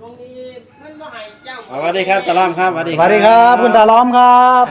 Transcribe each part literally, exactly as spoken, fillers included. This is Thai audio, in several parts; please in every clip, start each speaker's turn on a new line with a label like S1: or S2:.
S1: ตรงนี้มันบ่ให้เจ้า
S2: สวัสดีครับตาล้อมครับสวัสดี
S3: สวัสดีครับคุณตาล้อมครับ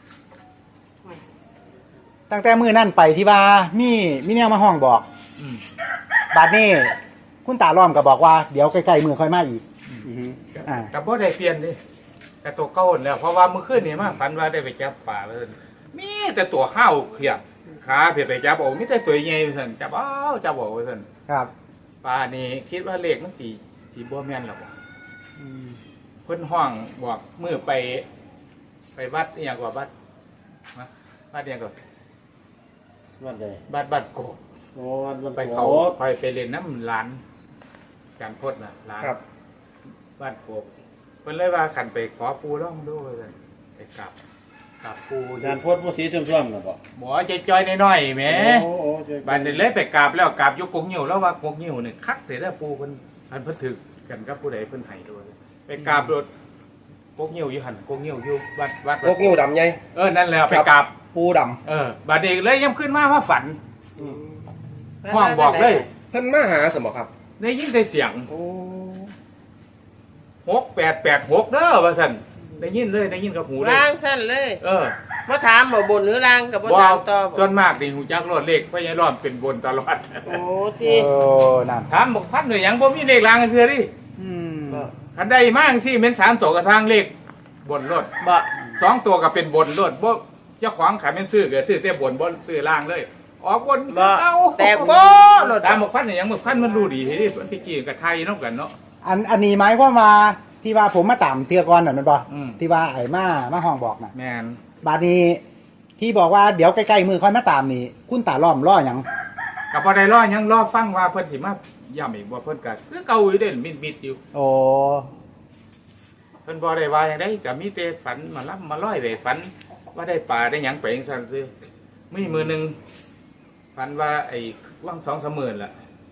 S3: ตั้งแต่มือนั่นไปที่ว่ามีมีแนวมาห้องบอกบัดนี้คุณตาล้อมก็บอกว่าเดี๋ยวใกล้ๆมือค่อยมาอีก
S2: อือฮึ
S3: อ่า
S4: กับบ่ได้เปลี่ยนดิกับตัวเก่าแล้วเพราะว่ามื้อคืนนี่มาฝันว่าได้ไปจับปลาเพิ่นมีแต่ตัวห้าวเขียบขาเพิ่นไปจับเอามีแต่ตัวใหญ่เพิ่นจับเอาจับเอาเพิ่น
S3: ครับ
S4: ปลานี่คิดว่าเลขมันสิสิบ่แม่นหรอกว่ะเพิ่นห้องบอกมื้อไป ไปวัดอีหยังกว่าวัดนะวัดอีหยังก็
S2: วันใด
S4: วัดบัดโกก
S2: โอ้วันวัน
S4: ไป
S2: ไป
S4: เขา
S2: เขา
S4: ไปไปเล่นน้ำร้านการพดน่ะร้าน
S3: ครับ
S4: บ้านโกกเพิ่นเลยว่าขันไปขอปูร่องดูเลยไปกลับกลับปู
S2: อาจารย์พจน์ผู้สีท่วมๆน่ะบ่
S4: หมอใจจอยน้อยๆแหม
S2: โอ้โอ้เจ้
S4: บ้านนี้เลยไปกราบแล้วกราบยกกงหิ้วแล้วว่ากงหิ้วนี่คักแต่ละปูเพิ่นอันเพิ่นถึกกันกับผู้ใดเพิ่นให้ด้วยไปกราบรถกงหิ้วอยู่หั่นกงหิ้วอยู่วัดวัด
S5: พวกงูดำไง
S4: เออนั่นแหละไปกราบ
S5: ปูด
S4: เออบัดนี้เลยยังขึ้นมาว่าฝันห้องบอกเลย
S5: ำเพิ่นมาหาสมอครับ
S4: ได้ยินได้เสียง
S5: โอ้
S4: หกแปดแปดหกเด้อว่าซั่นได้ยินเลยได้ยินกับหูเลย
S1: ล้างสั้นเลย
S4: เออ
S1: มาถามบ่บนหรือล้างกับบ่
S4: ว้า
S1: ถาว มต่อบ่
S4: ส่วนมากนี่หูจักรถเลขพญายรอดเป็นบนตลอด
S1: โอ้
S3: โอ้
S1: ที่
S3: นั่น
S4: ถามบอกพันหน่วยหยังบ่มีเลขรางกันเทื่อดิ
S3: อืม
S4: คันใดมากสิเป็นสามตัวกระทางเลขบนรถ
S1: บ่
S4: สองตัวก็เป็นบนรถบ่เจ้าของขายเป็นซื้อก็ซื้อแต่บนบ่ซื้อล่างเลยออกบน
S1: บ่
S4: เอา
S1: แต่โก้รถ
S4: ตามบอกพันหน่วยหยังบอกพันมันรู้ดีที่มันที่กี้กับไทยนอกกันเนาะ
S3: อันอันนี้หมายความว่าที่ว่าผมมาตามเทือก่อนน่ะแมันบ่
S4: อืม
S3: ที่ว่าไอ้มามาห้องบอกน่ะ
S4: แม่น
S3: บัดนี้ที่บอกว่าเดี๋ยวใกล้ๆมือค่อยมาตามนี่คุณตาล้อมล้อหยัง
S4: กับบ่ได้รอหยังรอฟังว่าเพิ่นสิมาย้ำอีกบ่เพิ่นก็คือเก่าอยู่เด้มิดๆอยู่
S3: โอ้
S4: เพิ่นบ่ได้ว่าอย่างใดก็มีแต่ฝันมารับมาร้อยไปฝัน ว่าได้ปลาได้หยังไปจังซั่นซื่อมีมือหนึงฝันว่าไอ้ว่างสองสามหมื่นล่ะ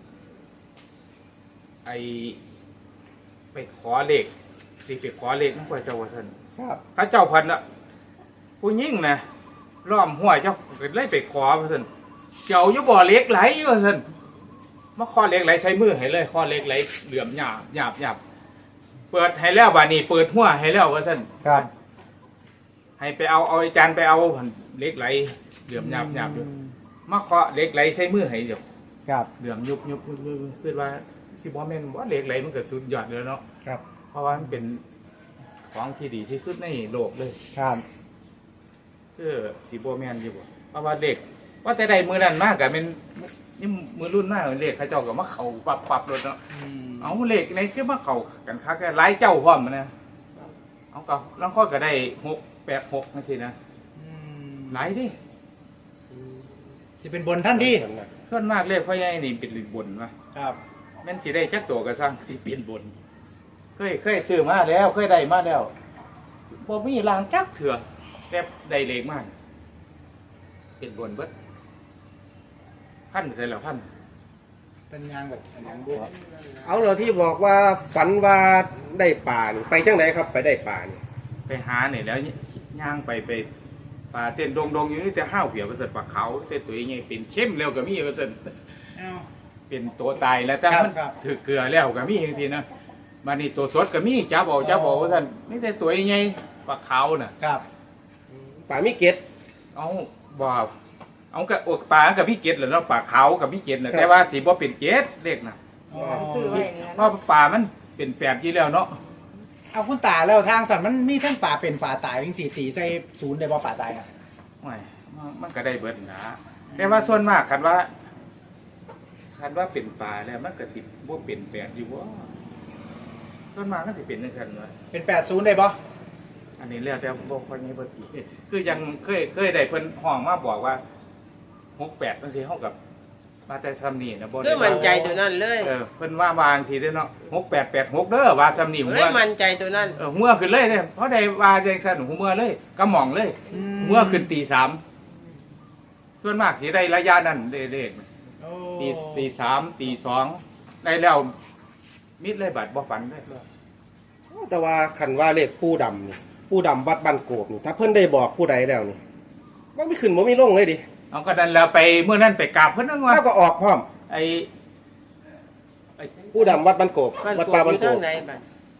S4: ไอ้ไปขอเลขสิไปขอเลขนำพระเจ้าว่าซั่น
S3: ครับ
S4: พระเจ้าเพันน่ะผู้หญิงน่ะล้อมห้วยเจ้าก็เลยไปขอว่าซั่นเจ้าอยู่บ่อเหล็กไหลว่าซั่นมาขอเหล็กไหลใช้มือให้เลยขอเหล็กไหลเหลื่อมหยาบหยาบหยาบเปิดให้แล้วบัดนี้เปิดหัวให้แล้วว่าซั่น
S3: ครับ
S4: ให้ไปเอาเอาอาจารย์ไปเอาเหล็กไหลเหลื่อมหยาบหยาบอยู่มาเคาะเหล็กไหลใช้มือให้เดี๋ยว
S3: ครับ
S4: เหลื่อมยุบยุบยุบยุบคือว่าสิบ่แม่นว่าเหล็กไหลมันก็สุดยอดเลยเนาะ
S3: ครับ
S4: เพราะว่ามันเป็นของที่ดีที่สุดในโลกเลย
S3: ครับ
S4: คือสิบ่แม่นอยู่บ่เพราะว่าเด็กว่าแต่ใดมือนั้นมากก็เป็นนี่มือรุ่นมากเลขเขาเจ้าก็มาเข้าปับปับรถเนาะเอาเลขในคือมาเข้ากันคักหลายเจ้าพร้อมนะเอาก็ลางคนก็ได้หกแปดหกจังซี่นะหลายเดิ
S3: สิเป็นบนท่านที่
S4: ส่วนมากเลขพ่อใหญ่นี่เป็นบนวะ
S3: ครับ
S4: แม่นสิได้จักตัวก็สร้างสิเป็นบน เคยเคยซื้อมาแล้วเคยได้มาแล้วบ่มีรางจักเถื่อแต่ได้เลขมาเป็นบนเบิดพันใส่แล้วพัน
S3: เป็นยางแบบอันนั้นด้วย
S5: เอาเราที่บอกว่าฝันว่าได้ป่านี่ไปจังไหนครับไปได้ป่านี่
S4: ไปหาเนี่ยแล้วย่างไปไปป่าเต้นดงดงอยู่นี่แต่ห้าวเหี่ยวประเสริฐปลาเขาแต่ตัวยังไงเป็นเข้มแล้วก็มีประเสริฐ
S3: เอ้า
S4: เป็นตัวตายแล้วแต่
S3: ครับ
S4: มัน
S3: ครับ
S4: ถือเกลือแล้วก็มีอย่างทีนะมานี่ตัวสดก็มีจับเอาจับเอาท่านนี่แต่ตัวยังไงปลาเขาน่ะ
S3: ครับ
S5: ป่ามีเกต
S4: เอาบ่เอากับอกปลากับพี่เกศเหรอเนาะปลาเขากับพี่เกศน่ะแต่ว่าสีบ่เป็นเกศเล็กน่ะ
S3: อ๋อ
S1: ซื้อไว้อย่างนั้น
S4: เพราะปลามันเป็นแปดยี่แล้วเนาะ
S3: เอาคุณตาแล้วทางสัตว์มันมีทั้งป่าเป็นป่าตายจริงสี่ตีใส่ศูนย์ได้บ่ป่าตายอ่ะ
S4: ไม่มันก็ได้เบิดนะแต่ว่าส่วนมากคันว่าคันว่าเป็นปลาแล้วมันก็สิบ่เป็นแปดอยู่ว่าส่วนมากก็สิเป็นจังซั่นว่า
S3: เป็นแปดศูนย์ได้บ่
S4: อันนี้แล้วแต่บ่ค่อยมีเบิดอีกคือยังเคยเคยได้เพิ่นห้องมาบอกว่าหกแปดจังซี่เฮากับมาแต่ทำนี่นะบ่
S1: คื
S4: ได้
S1: อมั่นใจตัวนั้นเลย
S4: เออเพิ่นว่าวางสิเด้อเนาะหกแปดแปดหกเด้อว่าทำนี่หั
S1: เล
S4: วย
S1: มั่นใจตัวนั้น
S4: เออหัวขึ้นเลยเนี่ยเพราะได้ว่าจังซั่นหัวเลยกระหม่องเลยหัวขึ้นตีสามส่วนมากสิได้ระยะนั้นเด้ๆ
S3: โอ้
S4: ตีตีสามตีสองได้แล้วมิดเลยบาดบ่ฝันได้
S5: แต่ว่าขันว่าเลขปูดำนี่ปูดำวัดบ้านโกบนี่ถ้าเพิ่นได้บอกผู้ใดแล้วนี่ว่าไม่ขึ้นว่าไม่ลงเลยดิ
S4: เอาก็นั้นแล้วไปเมื่อนั้นไปกราบเพิ่นนั่นว่า
S5: แล้วก็ออกพร้อม
S4: ไอ้
S5: ปูดำวัดบ้านโกบ
S1: บ้าน
S5: วัด
S1: โก
S5: ป่า
S1: อ
S5: บ้าน
S1: ยู่
S5: โก
S1: ทาง
S5: บ
S1: ไหนบ้าน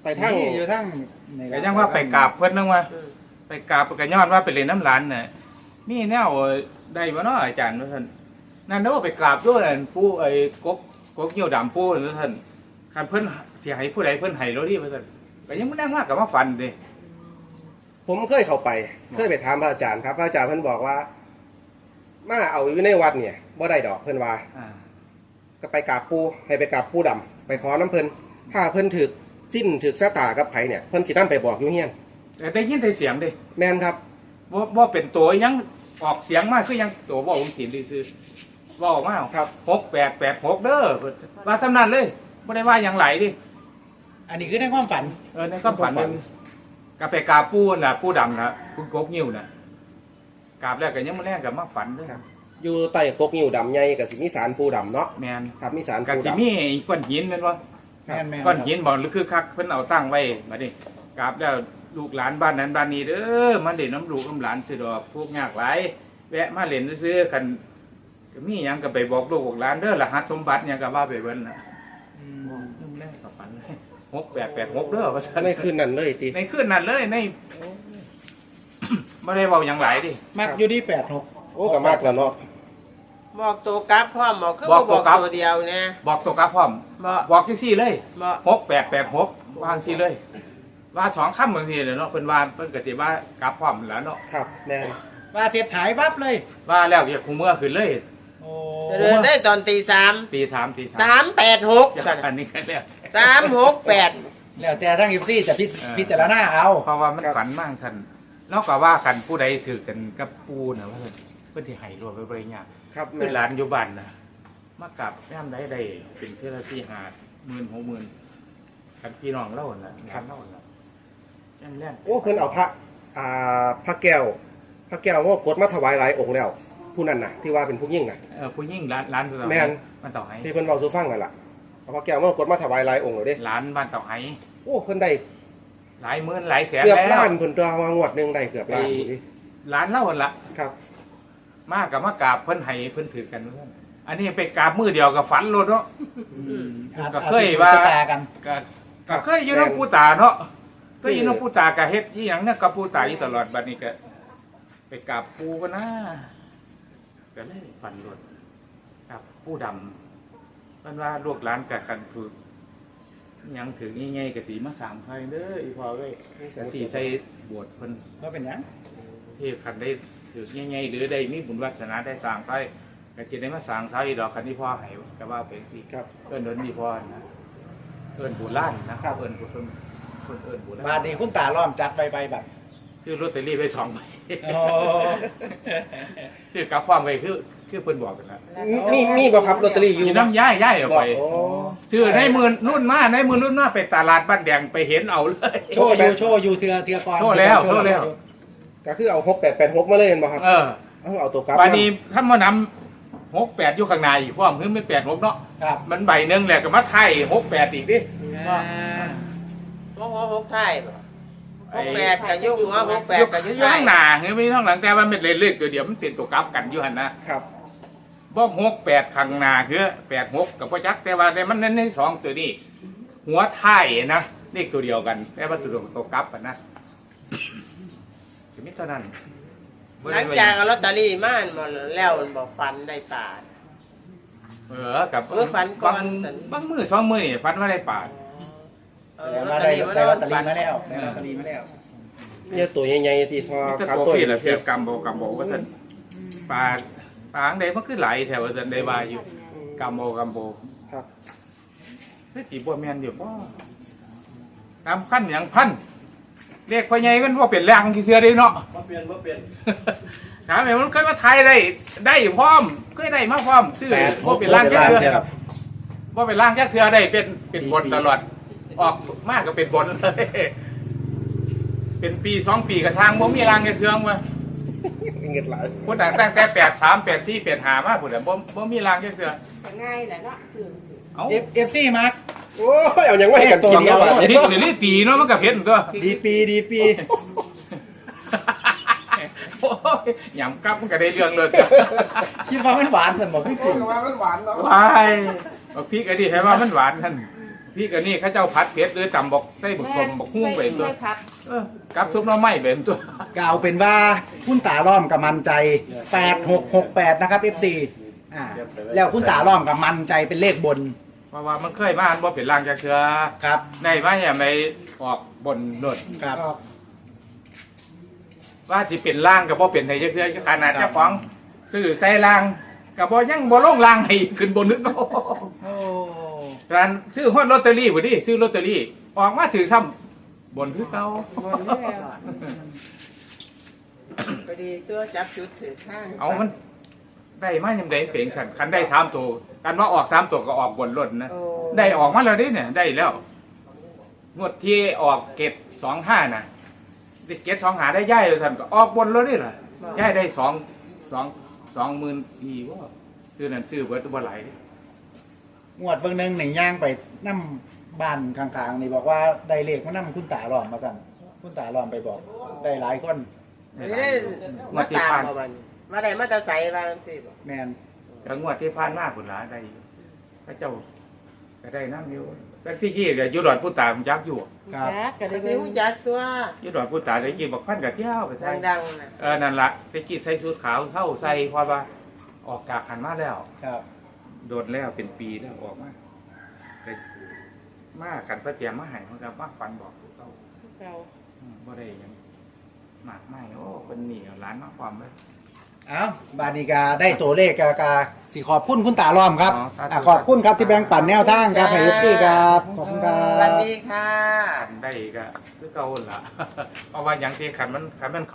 S5: ไปทาง
S3: นี่อยู่ทั้งนี่
S4: ก็ยังว่าไปกราบเพิ่นนึงว่า
S1: อืม
S4: ไปกราบก็ย้อนว่าไปเล่นน้ำร้านน่ะมีแนวได้บ่เนาะอาจารย์ว่าซั่นนั่นเด้อไปกราบด้วยนั่นผู้ไอ้กกกกเหี่ยวดำผู้นั่นท่านคันเพิ่นสิให้ผู้ใดเพิ่นให้เราดิว่าซั่นก็ยังบ่นั่งมากก็มาฟันเด้
S5: ผมเคยเข้าไปเคยไปถามพระอาจารย์ครับพระอาจารย์เพิ่นบอกว่า มาเอาอยู่ในวัดเนี่ยบ่ได้ดอกเพิ่นว่า
S4: อ่า
S5: ก็ไปกราบปู่ให้ไปกราบปู่ดำไปขอน้ำเพิ่นถ้าเพิ่นถึกจิ้นถึกชะตากับไผเนี่ยเพิ่นสินำไปบอกอยู่เฮียน
S4: แต่ได้ยินแต่เสียงเด้
S5: แม่นครับ
S4: บ่บ่เป็นตัวยังออกเสียงมาคือยังตัวบ่องศิลป์ซื่อๆบ่ออกมา
S5: ครับ
S4: หกแปดแปดหกเด้อว่าทำนั้นเลยบ่ได้ว่าหยังไหลดิ
S3: อันนี้คือในความฝัน
S4: เออในความฝันนึงก็ไปกราบปู่น่ะปู่ดำน่ะปู่กกนิ้วน่ะกราบแล้วก็ยังมาแลงก็มาฝันเด้อ
S5: ครับ อยู่ใต้กกนิ้วดำใหญ่กับสิมีสารปู่ดำเนาะ
S4: แม่น
S5: ครับมีสาร
S4: ก็
S5: ปู่
S4: สิ
S5: ดำ
S4: มีก้อนหินแม่นบ่
S3: แม่นแม่น
S4: ก้อนหินบ่หรือคือคักเพิ่นเอาตั้งไว้บัดนี้กราบแล้วลูกหลานบ้านนั้นบ้านนี้เด้อมาเล่นน้ำลูกน้ำหลานสิดอกพวกยากหลายแวะมาเล่นซื่อๆกันก็มีหยังก็ไปบอกลูกบอกหลานเด้อรหัสสมบัติหยังก็ว่าไปเบิ่นน่ะอืมนึกแรกก็ฝันเลยหกแปดแปดหกเด้อว่าซั่น
S5: ในคืนนั้นเลยติ
S4: ในคืนนั้นเลยใน บ่ได้เว้าหยังหลายดิ
S3: มักอยู่ที่แปดหก
S5: โอ้ก็มากแล้วเนาะ
S1: บอกตัวกลับพร้อมบอกคือ
S4: บอก
S1: บ่บอก
S4: ตัวกลับ
S1: ตัวเดียวเนี่ย
S4: บอกตัวกลับพร้อม
S1: บ่
S4: บอกจังซี่เลย
S1: บ่
S4: หกแปดแปดหกวางซี่เลย ว่าสองคำบางทีเลยเนาะเพิ่นว่าเพิ่นก็สิว่ากลับพร้อมแล้วเนาะ
S5: ครับแม่น
S3: ว่าเสียหายวับเลย
S4: ว่าแล้วอย่าคุมเมื่อขึ้นเลย
S3: โอ้
S1: เดินได้ตอนตีสาม
S4: ตีสามตีสาม
S1: สามแปดหก
S4: อันนี้ก็แล้ว
S1: สามหกแปด
S3: แล้วแต่ทั้งอีซี่จะพิ
S4: เออ
S3: พิจารณาเอา
S4: เพราะว่ามันฝันมากท่านนอกจากว่ากันผู้ใดถือกันกับปูนะว่าเพิ่นสิให้รวมไปบริญา
S5: ครับ
S4: คื
S5: แม่
S4: อน หลานอยู่บ้านนะมากลับย่ามใดได้เป็นเทื่อละที่หาหมื่นหกหมื่นกันพี่น้องเล่าน่ะงานเล่าน่ะยังแล่น
S5: โอ้เพิ่นเอาพระอ่าพระแก้วพระแก้วว่ากดมาถวายหลายองค์แล้ว ผู้นั้นน่ะที่ว่าเป็นผู้ยิ่งน่ะ
S4: เออผู้ยิ่งร้านร้านตัว
S5: แม่น
S4: บ้านเต่าไห้
S5: ที่เพิ่นเว้าสู่ฟังนั่นล่ะเอาพระแก้วมากดมาถวายหลายองค์แล้วเด้
S4: ร้านบ้านเต่าไห้
S5: โอ้เพิ่นได้
S4: หลายหมื่นหลายแสน
S5: เกือบ
S4: แล้ว
S5: ล้านเพิ่นตัวว่างวดหนึงได้เกือบล้าน
S4: ไอ้
S5: อยู่ดิ
S4: ร้านเล่าหั่นละ
S5: ครับ
S4: มากกับมากราบเพิ่นให้เพิ่นถือกันเพิ่นอันนี้ไปกราบมือเดียวกับฝันโลดเนาะ
S3: อาจ
S4: ก็
S3: อาจ
S4: เคย
S3: จะ
S4: ว่า
S3: ชะตากัน
S4: ก็ก็เคยอยู่น้องปูตาเนาะเคยอยู่น้องปูตาก็เฮ็ดอีหยังเนี่ยกับปูตาอยู่ตลอดบัดนี้ก็ไปกราบปูก็นะก็เลยฝันโลดกับปูดำเพิ่นว่าลูกหลานกักันถูกอิหยังถึงง่ายๆก็สิมาสร้างไผเด้ออีพ่อเอ้ยสิใส่บวชเพิ่น
S3: ว่าเป็นหยัง
S4: ที่คันได้ถือง่ายๆหรือได้มีบุญวัฒนาได้สร้างไส้ก็จะได้มาสร้างไส้ดอกคันที่พ่อให้ก็ว่าเป็นสิ
S5: ครับ
S4: เอิ้นเดินที่พ่อนะเอิ้นบุญล้านนะครับเอิ้นบุญเพิ่นเพิ่นเอิ้นบุญล้า
S3: บาท
S4: น
S3: นี้คุณตาล้อมจัดใบใบบัตร
S4: ซื้อลอตเตอรี่ไปสองใบ
S3: โอ้
S4: ซื้อกลับความไปคือคือเพิ่นบอกกันนะ
S5: มีมีบ่ครับลอตเตอรี่อยู่
S4: อยู่น้ำย้ายย้ายออก
S5: บ่
S4: ไป
S5: โอ้
S4: ซื้อในหมื่นรุ่นมาในหมื่นรุ่นมาไปตลาดบ้านแดงไปเห็นเอาเลย
S3: โชว์อยู่โชว์อยู่เทือเทือก่อน
S4: โชว์แล้วโชว์แล้ว
S5: ก็คือเอาหกแปดแปดหกมาเลยเห็นบ่ครับ
S4: เออ
S5: เอาเอาตัวกลับ
S4: วันนี้ถ้ามานำหกแปดอยู่ข้างในอีกความคือไม่แปดหกเนาะ
S3: ครับ
S4: มันใบหนึ่งแหละก็มาไทยหกแปดอีกดิ
S3: อ่า
S1: หกหกหกไทยบ่หกแปดกับยุ่งหัวหกแปด
S4: ยก
S1: กับยุ่ง
S4: ข้างหน้าเฮ้ยไม่ข้างหลังแต่ว่ามันเป็นเลขตัวเดียวมันเป็นตัวกลับกันอยู่หันนะครับ บ่หกแปดข้างหน้าคือแปดหกกับพ่อจักแต่ว่าในมันในสองตัวนี้ หัวไทยนะเลขตัวเดียวกันแต่ว่าตัวเดียวตัวกลับกันนะจะมิเท่านั้น
S1: หลังจากเอาลอตเตอรี่มาอันบ่แล้วมันบอกฟันได้ปาด
S4: เออกับ
S1: เออฝันก่อน
S4: บาง
S1: สัน
S4: บางมือสองมือนี่ฝันว่าได้ปาด
S1: เอา
S3: แต่
S1: ลอต
S3: ว่า
S1: เตอ
S3: ได้
S1: รี่มา
S3: ได้ลอตเตอ
S1: ฟั
S3: รี่
S1: น
S3: มาแล้วได้ลอตเตอรี่มาแล้ว
S5: เนี่ยตัวใหญ่ๆที่ทอ
S4: นี่จะ
S5: ขา
S4: ตัว
S5: ตัว
S4: พี่ละเพียบกำโบกำโบว่าท่านปลาปลาอังใดมันคือไหลแถวท่านได้บายอยู่กำโบกำโบ
S5: ครับ
S4: คือสีบัวแมนอยู่ป่ตามขั้นอย่างพันเรียกพ่อใหญ่มันว่าเป็นแรงที่เทือได้เนาะ
S2: บ่เปลี่ยนบ่เปลี่ยน
S4: ถามว่ามันเคยมาไทยได้ได้พร้อมเคยได้มาพร้อมซื้อว่าเป็นร่างแค่เทือว่าเป็นร่างแค่เทือได้เป็นเป็นบนตลอดออกมากก็เป็นบนเลยเป็นปีสองปีกระทางบ่มีร่างแค่เทืองวะ
S5: เงินหลาย
S4: คนต่างตั้งแต่แปดสามแปดสี่แปดห้ามาพุ่นน่ะบ่บ่มีร่างแค่เทือ
S1: ง่ายแหละเนาะคือ
S4: เอ้า
S3: เอฟเอฟซีมาร์ก
S5: โอ้ยเอาหยังไม่ให้กัน
S3: ตัว
S5: กิน
S3: เดียว
S5: ครับ
S4: ดิหรือนี่ตีเนาะมันก็เผ็ดตัว
S3: ดีปีดีปี
S4: โอ้ยหยำกลับมันก็ได้เรื่องเลย
S3: คิดว่ามันหวานสมบอกพี่
S5: โอ้
S3: กิ
S5: ย
S3: น
S5: ว่ามันหวานเนาะ
S4: วายบอกพี่ไอ้ดิให้ว่ามันหวานท่านพี่กับนี่เขาเจ้าผัดเผ็ดหรือตำบอกใส่บุกสมบอกหุ้งไปตัว
S1: ไม่พัก
S4: เออกับซุปหน้ำไม้เป็นตัว
S3: ก็เอาเป็นว่าคุณตาล้อมกับมันใจแปดหกหกแปดนะครับ เอฟ ซี อ่าแล้วคุณตาล้อมกับมันใจเป็นเลขบน
S4: เพราะว่ามันเคยมาอันบ่เป็นรางจากเชือ
S3: ครับ
S4: ในมาอย่าไม่ออกบนโดด
S3: ครับ
S4: ว่าสิเป็นล่างกับบ่เป็นในจักเทื่อขนาดเจ้าของซื้อใส่ล่างกับบ่ยังบ่ลงล่างให้ขึ้นบนนึกโอ้
S3: โอ้
S4: การซื้อฮอดลอตเตอรี่บ่ดิซื้อลอตเตอรี่ออกมาถือซ้ำบนคือเก่า
S1: บนนี่แล้วพอดีตัวจับจุดถือข้าง
S4: เอามันได้มายังได้เปลงสั่นคันได้สามตัวกันว่าออกสามตัวก็ออกบนรถนะ
S1: โอ้
S4: ได้ออกมาแล้วดิเนี่ยได้แล้วงวดที่ออกเก็บสองห้าน่ะเก็บสองหาได้ย่ายเลยท่านก็ออกบนแล้วนี่แหละย่ายได้สองสองสองหมื่นปีว่าซื้อนั่นซื้อเบิร์ตบ่ไหลาย
S3: งวดเบิ่งหนึงหนึ่งย่างไปนั่มบ้านข้างๆนี่บอกว่าได้เลขมานั่มคุณตาล้อมมาสั่นคุณตาล้อมไปบอก ได้หลายคน
S1: อันนี้ได้มาตามมาวันมาได้มาแตะใส่บางสิบ่
S3: แมน
S4: ก็งวดที่ผ่านมาผลหลายได้พระเจ้าก็ได้น้ำอยู่แต่ที่กี้ก็อยู่ดอนผู้ตาผมจักอยู่
S3: ครับ
S1: ก็ได้รู้จักตัว
S4: อยู่ดอนผู้ตาได้กินบักพันกับเที่ยวไปใส่
S1: ดังๆน่ะ
S4: เออนั่นละได้กินใส่ชุดขาวเท่าใส่เพราะว่าออกกากหันมาแล้ว
S3: ครับ
S4: โดนแล้วเป็นปีแล้วออกมาไปมากันพระเจียมมาใหายมันก็มาฟันบอกเจ้า
S1: เก่า
S4: อืมบ่ได้หยังมากไม่โอ้เป็นหนีเอาร้านมาความเลย
S3: เอ้าบานิกาได้ตัวเลขกากาสิขอบคุณคุณตาล้อมครับ
S4: อ๋อครับ
S3: อ่ะขอบคุณครับที่แบ่งปันแนวทางครับให้ เอฟ ซี ครับขอบคุณครั
S1: สวัส
S3: บ
S1: ดีค่ะ
S4: ขันได้ก็คือเก่าหั่นละ เพราะว่าอย่างที่ขันมันขันมัน